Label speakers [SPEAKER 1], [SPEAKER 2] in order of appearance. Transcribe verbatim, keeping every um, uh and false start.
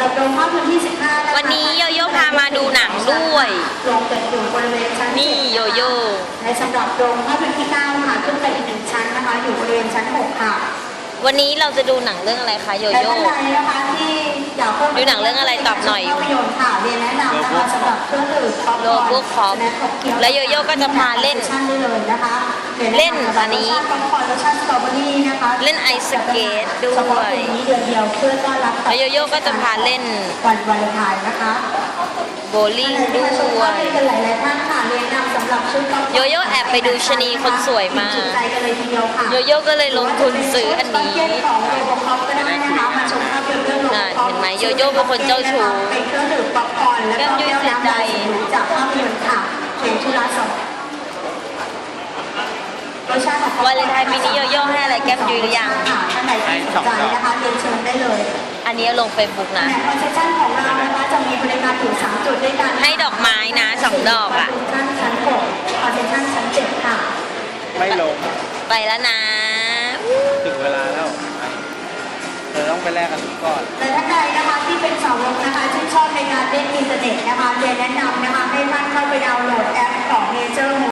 [SPEAKER 1] หรับโรงภาพยนตร์ที่สิบห้า
[SPEAKER 2] วันนี้โยโย่พามาดูหนังด้วย
[SPEAKER 1] โรงเปิดอยู่บริเวณชั้น
[SPEAKER 2] นี่โยโย่
[SPEAKER 1] และสำหรับโรงภาพยนตร์ที่เก้าค่ะขึ้นไปอีกหนึ่งชั้นนะคะอยู่บริเวณชั้นหกค่ะ
[SPEAKER 2] วันนี้เราจะดูหนังเรื่องอะไรคะโยโย่ดูหนังเรื่องอะไรตอบหน่อยอยู่โลโก้คอปและโยโย่ก็จะพาเล่นเล่นอันนี้เล่นไอสเกตด้วยแล้วโยโย่ก็จะพาเล่น
[SPEAKER 1] วันวาเลนไทน์นะคะ
[SPEAKER 2] โบลิ่งด้วยโยโย่แอบไปดูชนีคนสวยมาโยโย่ก็เลยลงทุนซื้ออันนี้น่ะเห็นไหมโยโย่เป็นคนเจ้าชู้แก้มยุ้ยเสียใจวาเลนไทน์ปีนี้โยโย่ให้อะไรแก้มยุ้ยหรือยัง
[SPEAKER 1] ให้สองดอกนะคะเรียนเชิญได้เลย
[SPEAKER 2] อันนี้ลงเฟซบุ๊กนะ
[SPEAKER 1] คอนเซ็ปชั่นของเรานะคะจะมีบริการอยู่สามจุดด้วยกัน
[SPEAKER 2] ให้ดอกไม้นะสองดอกอ่ะ
[SPEAKER 1] ชั้นหกคอนเซ็ปชั่นชั้นเจ็ดค่ะ
[SPEAKER 3] ไม่ลง
[SPEAKER 2] ไปแล้วนะ
[SPEAKER 3] ถึงเวลาแล้วเธอต้องไปแลกกันก่อน
[SPEAKER 1] แต่ถ้าใครนะคะที่เป็นสาวกนะคะที่ชอบในการเล่นอินเทอร์เน็ตนะคะเรียนแนะนำนะคะให้ท่านเข้าไปดาวน์โหลดแอปของ Nature